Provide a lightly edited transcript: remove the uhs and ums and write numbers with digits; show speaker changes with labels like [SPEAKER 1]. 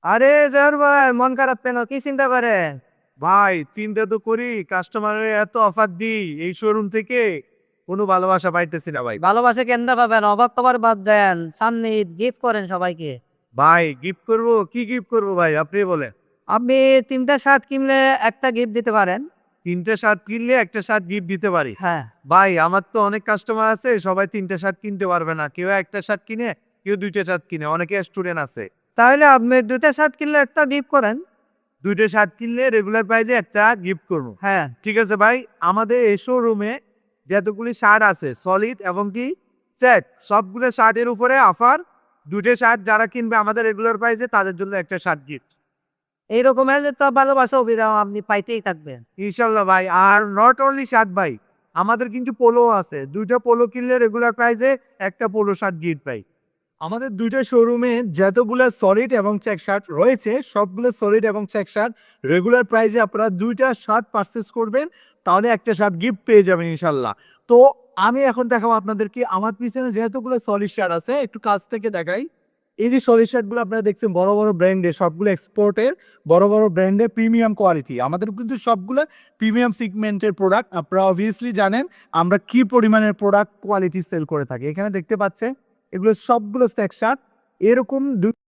[SPEAKER 1] আরে জহর ভাই, মন খারাপ কেন? কি চিন্তা করেন?
[SPEAKER 2] ভাই চিন্তা তো করি, কাস্টমারের এত অফার দিই এই শোরুম থেকে, কোনো ভালোবাসা পাইতেছি না ভাই।
[SPEAKER 1] ভালোবাসে কেন্দা পাবেন? অবাক কবার বাদ দেন, সামনে গিফট করেন সবাইকে।
[SPEAKER 2] ভাই গিফট করব, কি গিফট করব ভাই আপনি বলেন।
[SPEAKER 1] আপনি তিনটা শার্ট কিনলে একটা গিফট দিতে পারেন।
[SPEAKER 2] তিনটে শার্ট কিনলে একটা শার্ট গিফট দিতে পারি?
[SPEAKER 1] হ্যাঁ।
[SPEAKER 2] ভাই আমার তো অনেক কাস্টমার আছে, সবাই তিনটে শার্ট কিনতে পারবে না, কেউ একটা শার্ট কিনে, কেউ দুইটা শার্ট কিনে, অনেকে স্টুডেন্ট আছে।
[SPEAKER 1] তাহলে আপনি দুটা শার্ট কিনলে একটা গিফট করেন।
[SPEAKER 2] দুইটা শার্ট কিনলে রেগুলার প্রাইসে একটা গিফট করব।
[SPEAKER 1] হ্যাঁ।
[SPEAKER 2] ঠিক আছে ভাই, আমাদের এই শোরুমে যতগুলি শার্ট আছে সলিড এবং কি চেক, সবগুলো শার্টের উপরে অফার। দুটো শার্ট যারা কিনবে আমাদের রেগুলার প্রাইসে তাদের জন্য একটা শার্ট গিফট।
[SPEAKER 1] এইরকম হলে তো ভালোবাসা অভিরাম আপনি পাইতেই থাকবেন।
[SPEAKER 2] ইনশাল্লাহ ভাই। আর নট অনলি শার্ট ভাই, আমাদের কিন্তু পোলো আছে, দুইটা পোলো কিনলে রেগুলার প্রাইসে একটা পোলো শার্ট গিফট পাই। আমাদের দুইটা শোরুমে যতগুলো সলিড এবং চেক শার্ট রয়েছে সবগুলো সলিড এবং চেক শার্ট রেগুলার প্রাইসে আপনারা দুইটা শার্ট পারচেস করবেন, তাহলে একটা শার্ট গিফট পেয়ে যাবেন ইনশাল্লাহ। তো আমি এখন দেখাবো আপনাদেরকে আমার পিছনে যেহেতুগুলো সলিড শার্ট আছে, একটু কাছ থেকে দেখাই। এই যে সলিড শার্টগুলো আপনারা দেখছেন বড় বড় ব্র্যান্ডের, সবগুলো এক্সপোর্টের বড় বড় ব্র্যান্ডের প্রিমিয়াম কোয়ালিটি। আমাদের কিন্তু সবগুলো প্রিমিয়াম সিগমেন্টের প্রোডাক্ট। আপনারা অবভিয়াসলি জানেন আমরা কি পরিমাণের প্রোডাক্ট কোয়ালিটি সেল করে থাকি। এখানে দেখতে পাচ্ছেন এগুলো সবগুলো স্ট্যাক শার্ট, এরকম